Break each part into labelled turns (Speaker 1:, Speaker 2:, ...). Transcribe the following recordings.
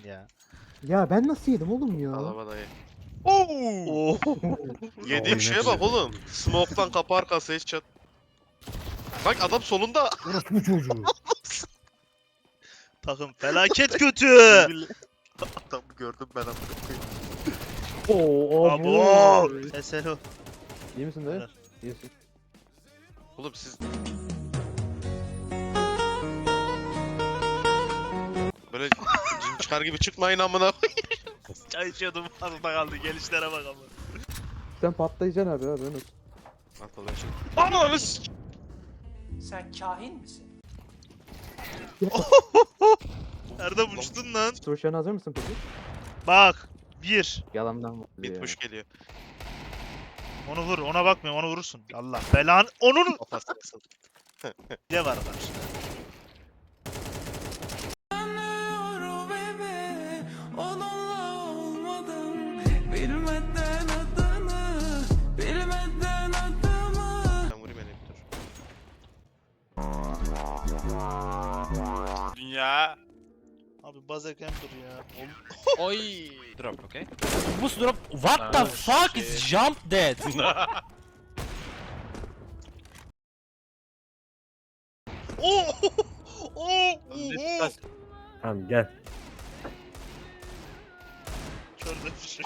Speaker 1: ya.
Speaker 2: Ya ben nasıl yedim oğlum ya?
Speaker 3: Alaba dayı.
Speaker 1: Oo.
Speaker 3: Yediğim şeye bak oğlum. Smoke'tan kapı arkası headshot. Bak adam solunda.
Speaker 2: Orası bu çocuğu.
Speaker 1: Takım felaket kötü.
Speaker 3: Birbirle- Adamı gördüm ben amına koyayım.
Speaker 2: Oo
Speaker 1: Abo. Eselo.
Speaker 2: İyi misin dayı? İyisin.
Speaker 3: Oğlum siz... Böyle cin çıkar gibi çıkmayın amına koyayım.
Speaker 1: Çay içiyordum fazla kaldı. Gelişlere bak ama.
Speaker 2: Sen patlayacaksın abi ben olsun.
Speaker 3: Atladım şimdi. Ananı s***.
Speaker 4: Sen kahin misin?
Speaker 1: Erdem uçtun lan.
Speaker 2: Soğuşan hazır mısın peki?
Speaker 1: Bak. Bir.
Speaker 2: Yalandan var.
Speaker 3: Bitmiş geliyor.
Speaker 1: Onu vur. Ona bakmıyorum. Onu vurursun. Allah belan. Onun
Speaker 3: Kafasını
Speaker 1: ne var karşıda?
Speaker 3: Ben vurayım beni dur.
Speaker 5: Dünya.
Speaker 1: Abi buzzer camper ya.
Speaker 5: Oy. Drop, okay?
Speaker 6: Boost drop. What the fuck is jump dead?
Speaker 1: Oo! Oo! Oo!
Speaker 7: Tamam gel.
Speaker 1: Şurada bir şey.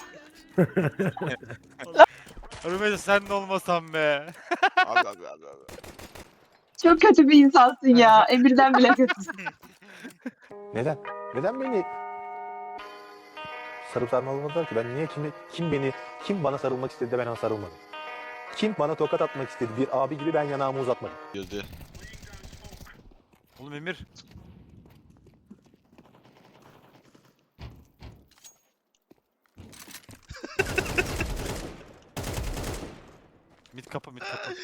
Speaker 5: Rümeysa sen de olmasan be.
Speaker 3: Abi.
Speaker 8: Çok kötü bir insansın ya. Emir'den bile kötüsün.
Speaker 9: Neden? Neden beni sarıp sarmaladılar ki? Ben niye kim bana sarılmak istedi de ben ona sarılmadım? Kim bana tokat atmak istedi bir abi gibi ben yanağımı uzatmadım?
Speaker 3: Girdi.
Speaker 5: Oğlum Emir. Mid kapı, mid kapı.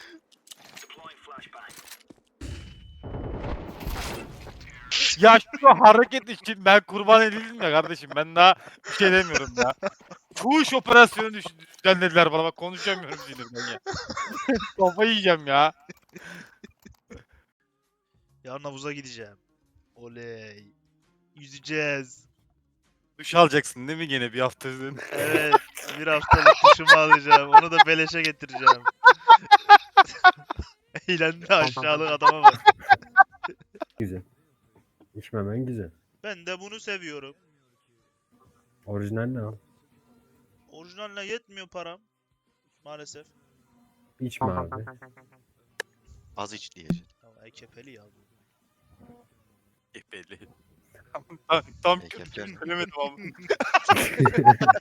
Speaker 5: Ya şu hareket için ben kurban edildim ya kardeşim. Ben daha bir şey demiyorum ya. Fuhuş operasyonu düzenlediler bana. Bak konuşamıyorum sinirden ya. Kafayı yiyeceğim ya.
Speaker 1: Yarın havuza gideceğim. Oley. Yüzeceğiz.
Speaker 5: Duş alacaksın değil mi gene bir hafta üzerine?
Speaker 1: Evet. Bir haftalık duşumu alacağım. Onu da beleşe getireceğim. Eğlendi aşağılık adama bak.
Speaker 7: Güzel. İçmemen güzel.
Speaker 1: Ben de bunu seviyorum.
Speaker 7: Orijinal ne al?
Speaker 1: Orijinaline yetmiyor param. Maalesef.
Speaker 7: İçme abi.
Speaker 3: Az iç diyecek.
Speaker 1: Ya ekepeli ya bu.
Speaker 5: Belli. Tam
Speaker 3: Peki,
Speaker 5: Kürt
Speaker 3: peki.
Speaker 5: söylemedim ama.